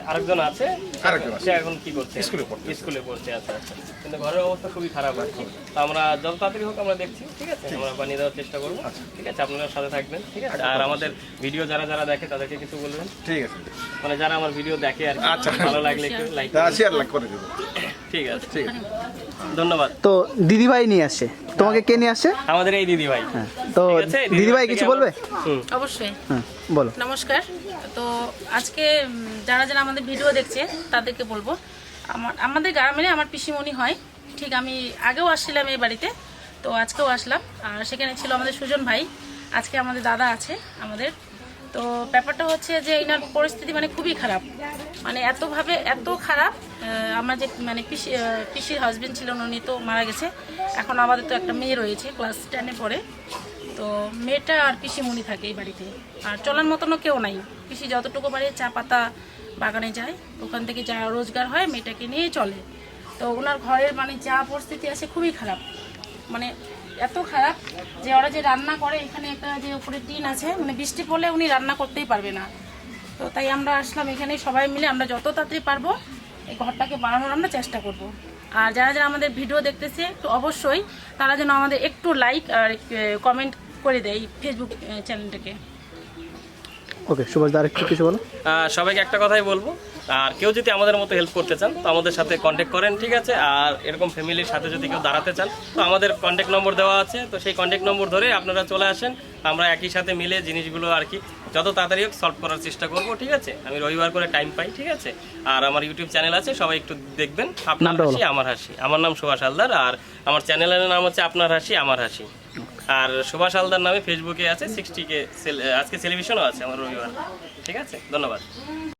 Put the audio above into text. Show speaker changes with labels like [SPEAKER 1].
[SPEAKER 1] আরেকজন আছে, সে এখন কি করছে? স্কুলে পড়ছে। আচ্ছা আচ্ছা, কিন্তু ঘরের অবস্থা খুবই খারাপ আর কি। তো আমরা যত তাড়াতাড়ি হোক আমরা দেখছি, ঠিক আছে, আমরা বানিয়ে দেওয়ার চেষ্টা করবো, ঠিক আছে। আপনারা সাথে থাকবেন, ঠিক আছে। আর আমাদের ভিডিও যারা যারা দেখে তাদেরকে কিছু বলবেন, ঠিক আছে, মানে যারা আমার ভিডিও দেখে আর কি, ভালো লাগলে একটু লাইক করে দেবো, ঠিক আছে, ঠিক আছে, ধন্যবাদ।
[SPEAKER 2] তো দিদিভাই নিয়ে আসছে, তোমাকে কে নিয়ে আসছে?
[SPEAKER 1] আমাদের এই দিদিভাই।
[SPEAKER 2] তো দিদিভাই কিছু বলবে?
[SPEAKER 3] অবশ্যই,
[SPEAKER 2] বলো।
[SPEAKER 3] নমস্কার। তো আজকে যারা যারা আমাদের ভিডিও দেখছে তাদেরকে বলবো, আমাদের গ্রামে আমার পিসিমণি হয়, ঠিক আমি আগেও আসছিলাম এই বাড়িতে, তো আজকেও আসলাম। আর সেখানে ছিল আমাদের সুজন ভাই, আজকে আমাদের দাদা আছে আমাদের। তো ব্যাপারটা হচ্ছে যে এনার পরিস্থিতি মানে খুবই খারাপ, মানে এত খারাপ। আমার যে মানে পিসির হাজবেন্ড ছিলেন, উনি তো মারা গেছে। এখন আমাদের তো একটা মেয়ে রয়েছে, ক্লাস 10-এ পড়ে। তো মেয়েটা আর পিসিমণি থাকে এই বাড়িতে, আর চলার মতনও কেউ নাই। পিসি যতটুকু পারে চা পাতা বাগানে যায়, ওখান থেকে যা রোজগার হয় মেয়েটাকে নিয়ে চলে। তো ওনার ঘরের মানে যা পরিস্থিতি আছে খুবই খারাপ, মানে এত খারাপ যে ওরা যে রান্না করে, এখানে একটা যে উপরে টিন আছে, মানে বৃষ্টি পড়লে উনি রান্না করতেই পারবে না। তো তাই আমরা আসলাম এখানে, সবাই মিলে আমরা যত তাড়াতাড়ি পারবো এই ঘরটাকে বানানোর আমরা চেষ্টা করব। আর যারা যারা আমাদের ভিডিও দেখতেছে একটু অবশ্যই তারা যেন আমাদের একটু লাইক আর কমেন্ট করে দেয় এই ফেসবুক চ্যানেলটাকে।
[SPEAKER 2] ওকে, সুভাষ দা আরেকটু কিছু বলো।
[SPEAKER 1] সবাইকে একটা কথাই বলবো, আর কেউ যদি আমাদের মতো হেল্প করতে চান তো আমাদের সাথে কন্ট্যাক্ট করেন, ঠিক আছে। আর এরকম ফ্যামিলির সাথে যদি কেউ দাঁড়াতে চান তো আমাদের কন্ট্যাক্ট নম্বর দেওয়া আছে, তো সেই কন্ট্যাক্ট নম্বর ধরে আপনারা চলে আসেন। আমরা একই সাথে মিলে জিনিসগুলো আর কি যত তাড়াতাড়ি হোক সলভ করার চেষ্টা করব, ঠিক আছে। আমি রবিবার করে টাইম পাই, ঠিক আছে। আর আমার ইউটিউব চ্যানেল আছে, সবাই একটু দেখবেন, আপনার হাসি আমার হাসি। আমার নাম সুভাষ হালদার, আর আমার চ্যানেলের নাম হচ্ছে আপনার হাসি আমার হাসি। আর সুভাষ হালদার নামে ফেসবুকে আছে 60K, আজকে সেলিব্রেশনও আছে আমার রবিবার, ঠিক আছে। ধন্যবাদ।